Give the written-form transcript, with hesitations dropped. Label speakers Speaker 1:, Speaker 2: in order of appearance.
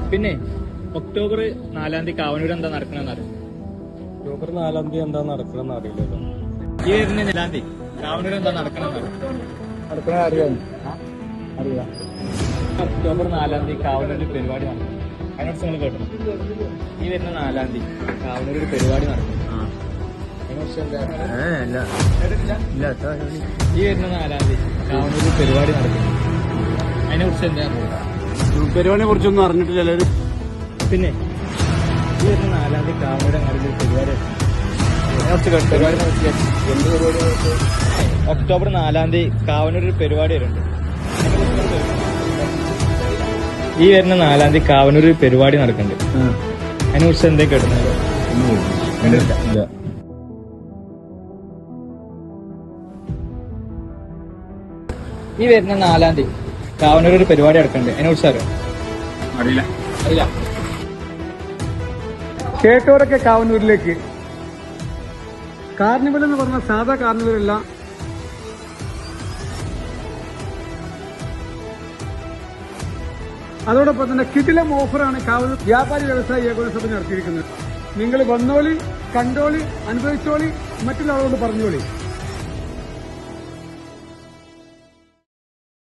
Speaker 1: പിന്നെ ഒക്ടോബർ 4-ാം തീയതി കാവനൂർ എന്താ നടക്കണമെന്ന് അറിയാം.
Speaker 2: ഒക്ടോബർ 4-ാം തീയതി എന്താ നടക്കണമെന്ന് അറിയില്ലല്ലോ.
Speaker 1: ഈ വരുന്ന 4-ാം തീയതി കാവനൂർ എന്താ നടക്കണമെന്ന്
Speaker 2: അറിയാം.
Speaker 1: ഒക്ടോബർ 4-ാം തീയതി കാവനൂർ ഒരു പരിപാടി നടക്കും. അതിനോട് നിങ്ങൾ കേട്ടോ. ഈ വരുന്ന 4-ാം തീയതി കാവനൂർ ഒരു പരിപാടി നടക്കും. ഈ വരുന്ന 4-ാം തീയതി കാവനൂർ ഒരു പരിപാടി നടക്കും. അതിനെ കുറിച്ച് എന്താ
Speaker 2: പരിപാടിയെ കുറിച്ചൊന്നും അറിഞ്ഞിട്ടില്ല എല്ലാവരും.
Speaker 1: പിന്നെ ഈ വരുന്ന 4-ാം തീയതി കാവനൂർ അങ്ങാടി ഒരു പരിപാടി ഒക്ടോബർ 4-ാം തീയതി കാവനൂർ ഒരു പരിപാടി വരുന്നുണ്ട്. ഈ വരുന്ന 4-ാം തീയതി കാവനൂർ ഒരു പരിപാടി നടക്കുന്നുണ്ട്. അതിനെ കുറിച്ച് എന്താ കേട്ടുന്നത്? ഈ വരുന്ന 4-ാം തീയതി കാവനൂർ ഒരു പരിപാടി നടക്കുന്നുണ്ട്. അതിനെ കുറിച്ച് അറിയാം? അറിയില്ല.
Speaker 2: കേട്ടവരൊക്കെ കാവനൂരിലേക്ക്. കാർണിവൽ എന്ന് പറഞ്ഞ സാധാ കാർണിവലല്ല. അതോടൊപ്പം തന്നെ കിടിലം ഓഫറാണ് കാവനൂർ വ്യാപാരി വ്യവസായ ഏകോപന സഭ നടത്തിയിരിക്കുന്നത്. നിങ്ങൾ വന്നോളി, കണ്ടോളി, അനുഭവിച്ചോളി, മറ്റുള്ള ആളോട് പറഞ്ഞോളി.